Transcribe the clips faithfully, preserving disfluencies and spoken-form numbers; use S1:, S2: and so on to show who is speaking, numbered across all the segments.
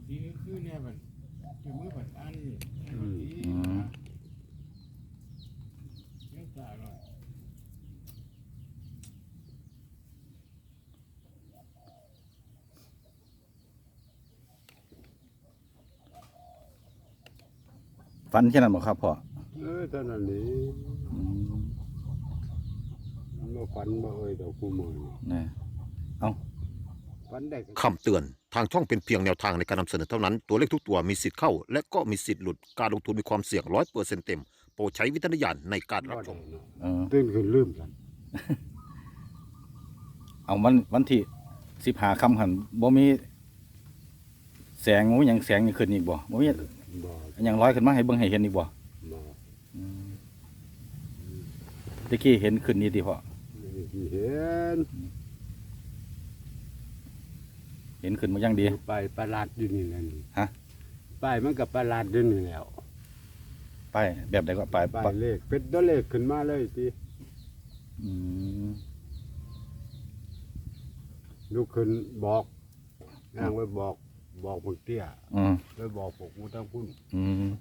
S1: ทีคือเนี่ยมันจะมือผัดอันนี่ทีเลี้ยงตาหน่อย
S2: ฟันแค่นั้นบ่ครับพ่อ
S3: เออตอนนั้นนี่มาฝันมาเอ้ยดอกกูมือ
S2: นี่เอ้า
S3: ฝันได้
S4: คำเตือนทางช่องเป็นเพียงแนวทางในการนำเสนอเท่านั้นตัวเลขทุกตัวมีสิทธิ์เข้าและก็มีสิทธิ์หลุดการลงทุนมีความเสี่ยงร้อยเปอร์เซ็นต์เต็มโปรดใช้วิจารณญาณในการรับชม
S3: ตื่นขึ้นลืมกัน
S2: เอาวันวันที่สิบห้าค่ำหันบ่มีแสงบ่มีหยังแสงนี่ขึ้นอีกบ่บ่มีหยังลอยขึ้นมาให้เบิ่งให้เห็นอีกบ่ตะกี้เห็นขึ้นนี่ติพ่อ
S3: เห็น
S2: เห็นขึ้นมาอย่างดี
S3: ไปประหลาดอยู่นี่แหละ
S2: ฮะ
S3: ไปมันกับประหลาดอยู่นี่แล้ว
S2: ไปแบบใดก็ไป
S3: ไปเลขเป็นตัวเลขขึ้นมาเลยที
S2: อืม
S3: ลูกขึ้นบอกนางไว้บอกบอกพวกเตี้ย
S2: อืม
S3: ไว้บอกพวกมูตั้งพุ่น
S2: อืม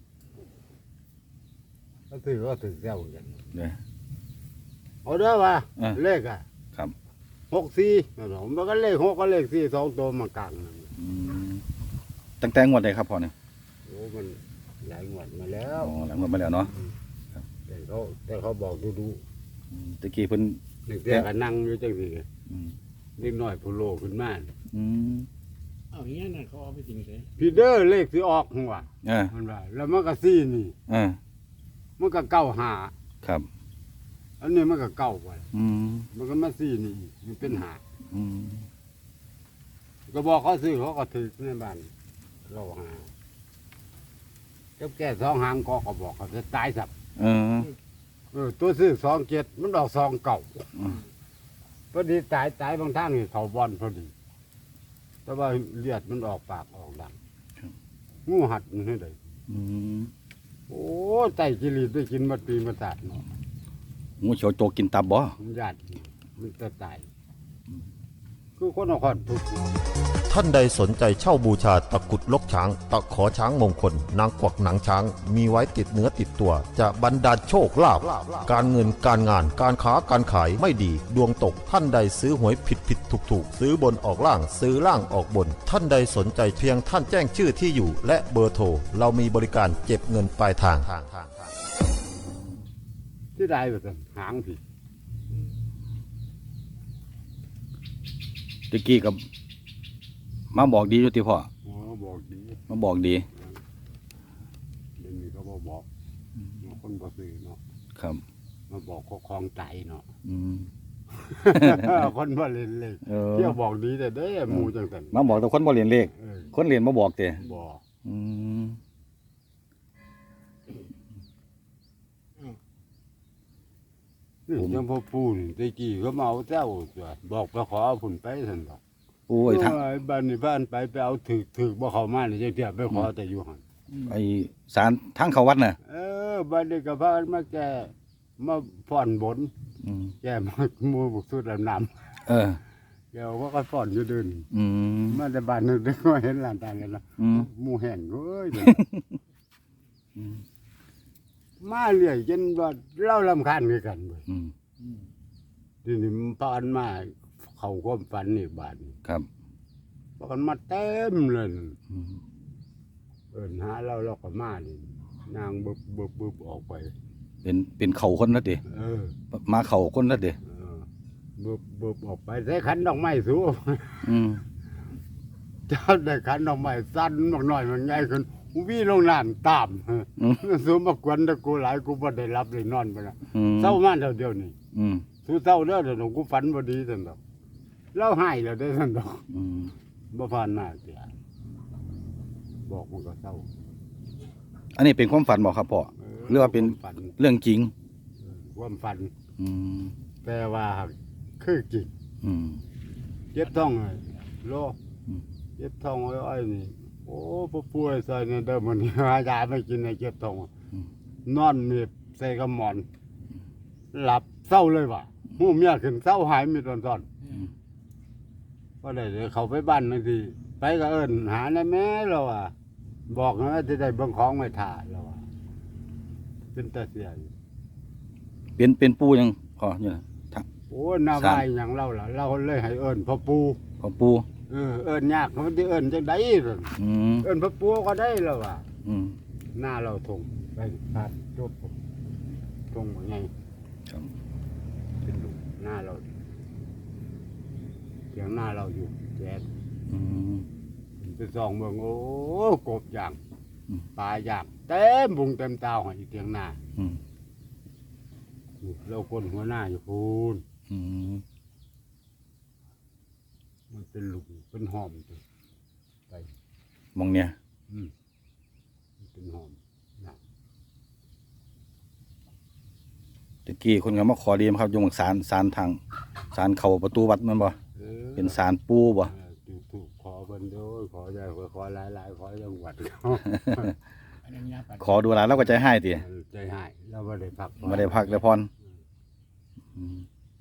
S3: ก็ถือว่าถือแก้วกัน
S2: เนี่ย
S3: เอาได้ป่ะเลขอ่ะ
S2: ครับ
S3: หกสี่ผมมันก็เลขหกก็เลขสี่สองตัวมากลาง
S2: ตั้งแต่งวดใดครับพ่อเนี่ย
S3: โอ้มันหลายงวดมาแล้ว
S2: อ๋อหลายงวดมาแล้วเนาะ
S3: แต่เขาแต่เขาบอกดูดู
S2: ตะกี้เพิ่น
S3: เด็กๆก็นั่งอยู่จังสิเล็กน้อยผู้โลขึ้นมา
S2: อืม
S1: เอาอย่างนี้นะเขาเอาไปทิ้งเลย
S3: พีเดอร์เลขที่ออกหัวมันว่าแล้วมันก็สี่นี่มันก็เก้าหา
S2: ครับ
S3: อันนี้มันก็เก้าไปมันก็มาสี่นี่มันเป็นหาก็บอกเขาซื้อเขาก็ถือในบ้านเราหาเจ้าแก่สองหางก็ก็บอกเขาจะตายสับเออตัวซื้อสองเจ็ดมันดอกสองเก่าพอดีตายตายบางท่านนี่เขาบอลพอดีแต่ว่าเลือดมันออกปากออกดังงูหัดมันให้เลยโอ้ใจกิริได้กินมาปีมาตัดเนาะ
S2: งูเขียวโจกินตับบ่
S3: มันญาติมันจะตายคือคนเอาคนทุก
S4: ท่านใดสนใจเช่าบูชาตะกุดลกช้างตะขอช้างมงคลนางกวักหนังช้างมีไว้ติดเนื้อติดตัวจะบรรดาลโชคลาภการเงินการงานการค้าการขายไม่ดีดวงตกท่านใดซื้อหวยผิดผิดถูกถูกซื้อบนออกล่างซื้อล่างออกบนท่านใดสนใจเพียงท่านแจ้งชื่อที่อยู่และเบอร์โทรเรามีบริการเก็บเงินปลายทาง
S3: ที่ได้แบบหางผิด
S2: ตะกี้กับมาบอกดีอยู่ติพ่อ
S3: อ๋อบอกดี
S2: มาบอกดี
S3: เดี๋ยวนี้เขาบอกบอกคนบ่ซื้อเนาะ
S2: ครับ
S3: มาบอกเขาคลองใจเนาะ
S2: อืม
S3: คนบ่เล่นเลขเที่ยวบอกดีแต่เด้หมู่จังซั่น
S2: มาบอกแต่คนบ่เรียนเลขคนเรียนมาบอกแต่
S3: บอก
S2: อืม
S3: นี่ยังพ่อพูนตะกี้เขามาเอาเจ้าบอกไปขอเอาผุนไปซั่นดอก
S2: โอ้ยทาง
S3: บ้านนี่บ้านไปไปเอาถือถือบ่เข้ามานี่จังเที่ยไปขอแต่อยู่หั่น
S2: ไอ้ศาลทางเข้าวัดน่ะ
S3: เออบ้านนี้ก็พามาแก่มาฟ้อนบนแก่มาหมู่บุกสุดน้ำ
S2: เออ
S3: เดี๋ยวว่าก็ฟ้อนอยู่เดิน
S2: อืม
S3: มาแต่บ้านนึงก็เห็นหลานตากันแล้วหมู่แห้งเอ้ยมาเรื่อยจนว่าเล่ารำคาญคือกันเว้ยทีนี้มันปานมาเข้าความฝันนี่บาด
S2: ครับ
S3: ปานมาเต็มเลยเอิ้นหาเราเราก็มานี่นางบึบบึบบึบออกไป
S2: เป็นเป็นเขาคนนั่นดิ
S3: เออ
S2: มาเขาคนนั่นดิ
S3: บึบบึบออกไปใส่ขันดอกไม้สู
S2: อืม
S3: เจ้าได้ขันดอกไม้สั้นมากหน่อยมันใหญ่ขึ้นวิ่งลงน้ำตามสูมากวนตะกูหลายกูบ่ได้รับเลยนอนไปนะเศร้ามากเดียวนี่สู้เศร้าเด้อเดี๋ยวกูฝันบ่ดีสั่นดอกเล่าให้แล้วได้สั่นดอกบ่ผ่านมาเสียบอกมันก็เศร้า
S2: อันนี้เป็นความฝันบอกครับพ่อหรือว่าเป็นเรื่องจริง
S3: ความฝันแต่ว่าคือจริงเจ็บท้องเลยโลเจ็บท้องอ้อยนี่โอ้ผู้ป่วยใส่เนี่ยเดิมมันหายาไม่กินในเจ็บท้องนอนมีใส่กระหมอนหลับเศร้าเลยว่ะหูเมียขึ้นเศร้าหายมีตอนตอนก็ได้เลยเขาไปบ้านบางทีไปก็เอิ้นหาในแม่เราอ่ะบอกนะจะได้เบิ่งของไม่ถ่าเราอ่ะเป็นตาเสียอยู่
S2: เป็นเป็นปูยังพออยู่นะทัก
S3: โอ้หน้า
S2: สาม
S3: วายหยังเราล่ะเราเลยให้เอิ้นพ่อปู
S2: พอปู
S3: เออเอิ้นยากมันสิเอิ้นจังได๋ล่ะ
S2: อืม
S3: เอิ้นพ่อปูก็ได้แล้วอ่ะ
S2: อืม
S3: หน้าเราทงไปพาดจบทงว่าไง
S2: ครับ
S3: เป็นลูกหน้าเราเสียงหน้าเราอยู่แจ๊ด
S2: อืม
S3: ไปส่องเบิ่งโอ้กบอย่าง
S2: อืม
S3: ปลาอย่างเต็มบุงเต็มตาหอยเตียงหน้า
S2: อืม
S3: เราคนหัวหน้าอยู่พูน
S2: อืม
S3: มันเป็นลูกเป็นหอมจ้ะไป
S2: มองเนี่ย
S3: อืมมันเป็นหอมนะ
S2: ตะกี้คนก็มาขอเรียนครับอยงศาลศาลทางศาลเข้าประตูวัดแมันบ่
S3: เออ
S2: เป็นศาลปูบ่
S3: เออถูกถูกขอเพิ่นโดยขอใหญ่ขอหลายหลายๆขอจังหวัดเขา
S1: อันนี้ยาปัด
S2: ขอดูแลแล้วก็ใจให้ติ
S3: ใจหายเราไม่ได้พัก
S2: ไม่ได้พักได้พรอืม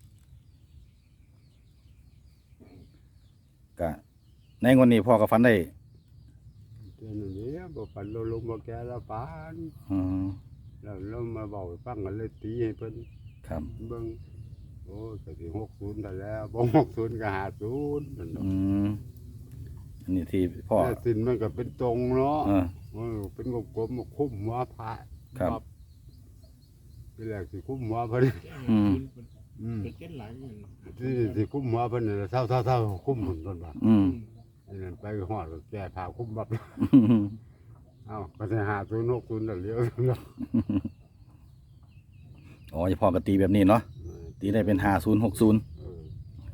S2: ก็ในงวดนี้พ่อก็ฝันได้
S3: เจ้าหนุ่มนี้บ่ปันเราลงบ่แก่ละปาน
S2: อืม
S3: แล้วเรามาบอกให้ฟังกันเลยตีให้เพิ่น
S2: ครับ
S3: เบิ่งโอ้ยก็สิหกศูนย์ได้แล้วบ่หกศูนย์ก็ห้าศูนย์นั่นเนาะ
S2: อืมอันนี้ที่พ่อ
S3: แต่สินมันก็เป็นตรงเนาะ
S2: เออ
S3: เออเป็นกลมๆมาคุ้มหัวพระ
S2: ครับ
S3: ทีแรกสิคุ้มหัวเพิ่น
S2: อืม
S3: อืม
S1: เป็นเจ็ดหลังเงิน
S3: สิสิคุ้มหัวเพิ่นนี่แหละเศร้าๆๆคุ้มเพิ่นเพิ่นว่า
S2: อืม
S3: อันนั้นไปฮอดก็แก้ผ้าคุ้มบับเอ้าก็สิห้าศูนย์หกศูนย์นั่นเลี้ยวเนาะ
S2: อ๋อจะพ่อก็ตีแบบนี้เนาะ
S3: เออ
S2: ตีได้เป็นห้าศูนย์หกศูนย์
S3: เออ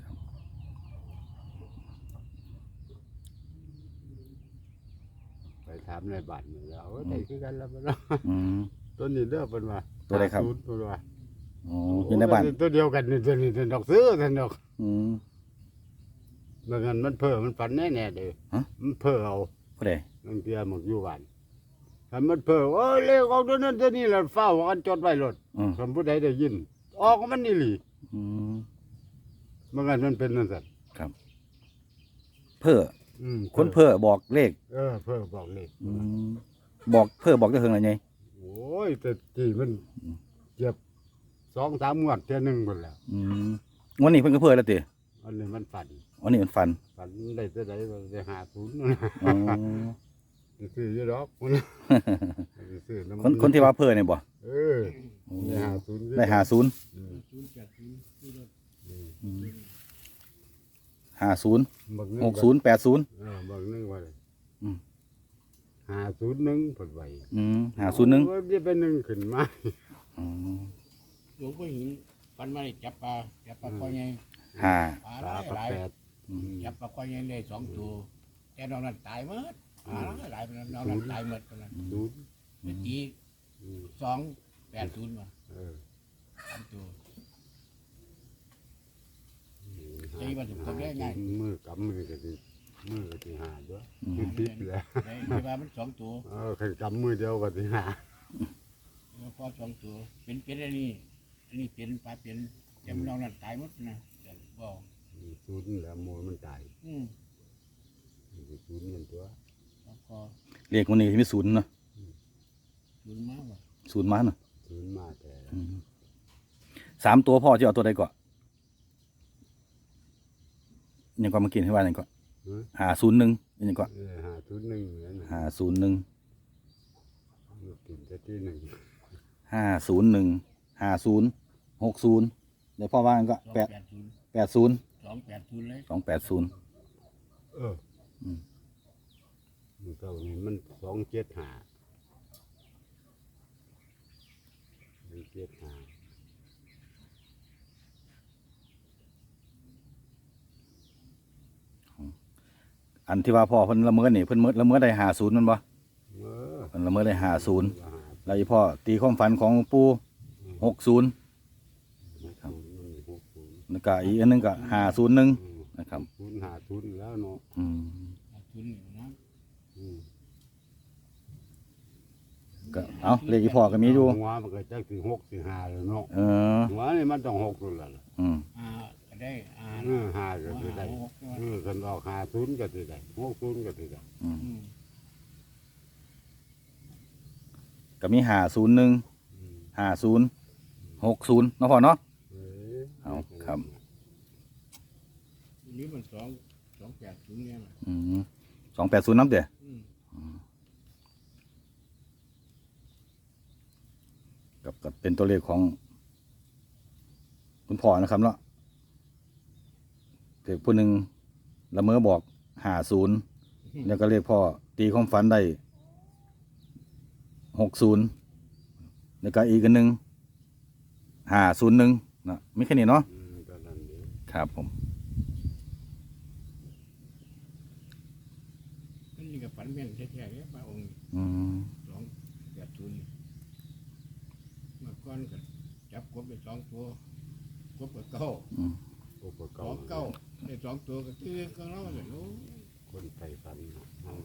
S3: ไปถามในบ้านนี่แล้วเอ้ยได้คือกันแล้วบ่เนาะ
S2: อืม
S3: ตัวนี้เด้อเพิ่นว่า
S2: ตัวใดครับ
S3: ห้าศูนย์เพิ่นว่า
S2: อ๋ออยู่ในบ้าน
S3: โตัวเดียวกันนี่ตัวนี้ตัวดอกซื้อตัวดอก
S2: อืม
S3: บางอันมันเพ้อมันฝันแน่ๆเด้อ
S2: ฮะ
S3: มันเพ้อเอา
S2: ผู้ใด
S3: บางเทียมันอยู่บ้านถ้ามันเพ้อโอ้ยเลขออกตัวนั้นตัวนี้แล้วเฝ้ากันจดไว้รถ
S2: อืม
S3: คำผู้ใดได้ยิน ออกมันนี่หลี
S2: อืม
S3: บางอันมันเป็นนั่นสัตว์
S2: เพื่อ
S3: อืม
S2: คนเพื่อบอกเลข
S3: เออเพ้อบอกเลข
S2: อืมบอกเพื่อบอกจะเฮงอะไรไง
S3: โอ้ยแต่จีมันเจ็บสองสามงวดเท่ยหนึงหมดแล้ว
S2: อืมวันนี้เพิ่นก็เพื่อแล้วติ
S3: อันนี้มันฝัน
S2: วันนี้มันฟัน
S3: ฝันได้จะได้ได้หาศูนย์
S2: อ๋อ
S3: ซื้อเยอะดอกมันซื้อน้ำ
S2: คนคนที่ว่าเพื่อเนี่ยบ่
S3: เออได้หาศูนย์
S2: ได้ห้าศูนย์
S3: อืม
S1: ศูนย์แปดศูนย์ที่รถ
S2: ห้าศูนย์
S3: บัก
S2: หกศูนย์แปดศูนย์
S3: เออบางนึงว่าเลย
S2: อืม
S3: หาศูนย์หนึ่งผลไหว
S2: อืมห้าศูนย์หนึ่ง
S3: โอ้ยจะเป็นหนึ่งขึ้นมา
S2: อ๋อ
S1: หลวงพ่อหินปันมาได้จับปลาจับปลาคอยใหญ่
S2: ห้า
S1: ปลา
S3: ป
S1: ห
S3: ลา
S1: ลาย
S3: ปลา
S1: หลาย
S3: แปด
S2: อืม
S1: จับปลาคอยใหญ่ได้สองตัวแต่นอกนั้นตายหมดปลาหลายหลายไปแล้วนอกนั้นตายหมดไปแล้ว
S3: ศูนย์
S1: เมื่อกี้
S3: อืม
S1: สองแปดศูนย์มา
S3: เออ
S1: สามตัว ตีมันถึงตัวแรกไง
S3: มือกำมือก็ดีมือก็ดีหาด้วยคือติดแล้ว
S1: ในในบ้านมันสองตัว
S3: เออใครกำมือเดียวก็ดีหา
S1: แล้วก็สองตัวเป็นเป็นอันนี้อันนี้เป็นปลาเป็นแต่มันนอกนั้นตายหมดนะเดี๋ยวบอก
S3: ศูนย์แล้วโมมันตาย
S1: อืม
S3: ศูนย์มันตัว
S1: แล้วก็
S2: เลขวันนี้มีศูนย์เนาะ
S1: ศูนย์มากว่ะ
S2: ศูนย์มาเนาะ
S3: ศูนย์มาแต่
S2: อืมสามตัวพ่อจะเอาตัวใดก่อนยังก็มากินให้ว่ายังก่อน
S3: เออ
S2: หาศูนย์หนึ่งยังก่อน
S3: เออหาศูนย์หนึ่งนั่นน่ะ
S2: หาศูนย์หนึ่ง
S3: กินแต่ที่หนึ่ง
S2: ห้าศูนย์หนึ่งห้าศูนย์หกศูนย์เดี๋ยวพ่อว่ากันก็
S1: สอง
S2: แปด
S1: แปดศูนย์
S2: แปดศูนย์
S1: สองแปดศูนย์เลย
S2: สองแปดศูนย์
S3: เออ
S2: อืม
S3: มันเก่านี่มันสองเจ็ดหาสองเจ็ดหา
S2: อันที่ว่าพ่อเพิ่นละเมิดนี่เพิ่นเมิดละเมิดได้หาศูนย์มันบ่
S3: เออ
S2: เพิ่นละเมิดได้หาศูนย์
S3: ว่าหา
S2: แล้วอีพ่อตีความฝันของปู่หกศูนย์
S3: หกศูนย์มันมีหกศูนย์
S2: แล้วก็อีกอันหนึงก็หาศูนย์หนึ่ง
S3: อืม
S2: นะครับ
S3: ศูนย์หาศูนย์แล้วเนาะ
S2: อืม
S1: ศูนย์อยู่นะ
S3: อืม
S2: ก็เอาเลขอีพ่อก็มีอยู่
S3: หัวมันก็จักสิหกสิห้าแล้วเนาะ
S2: เออ
S3: หัวนี่มันต้องหกนู่นแหละล่ะ
S2: อืม
S1: อ่ากันได้อ่าน
S3: เออหาก็สิได้
S1: หกใช่ไหม
S3: เออคันออกหาศูนย์ก็สิได้หกศูนย์ก็สิได้
S2: อืม
S1: อืม
S2: ก็มีห้าศูนย์หนึ่ง
S3: อืม
S2: ห้าศูนย์หกศูนย์เนาะพ่อเนาะ
S3: เออ
S2: เอาครับ
S1: อันนี้มันสองสองแปดศูนย์เนี่ยนะ
S2: อืมสองแปดศูนย์น้ำเด้อ
S1: อืม
S2: กับกับเป็นตัวเลขของ คุณพ่อนะครับเนาะเด็กผู้หนึ่งละเมอบอกห้าศูนย์แล้วก็เลขพ่อตีความฝันได้หกศูนย์แล้วก็อีกอันหนึ่งห้าศูนย์หนึ่งนะไม่แค่นี้เนาะ
S3: อืมก็นั่นเด้
S2: ครับผม
S1: อันนี้ก็ฝันแม่นแท้ๆเนี่ยพระองค์
S2: อืม
S1: สองแปดศูนย์นี่เมื่อก่อนก็จับกบไปสองตัวกบกับเก้า
S2: อืม
S3: อุปก
S1: สอ
S3: รง ณ์
S1: เก้าได้สองตัวก็คือก็เล่าเลยโอ้
S3: คนไทยฝันเนาะเอา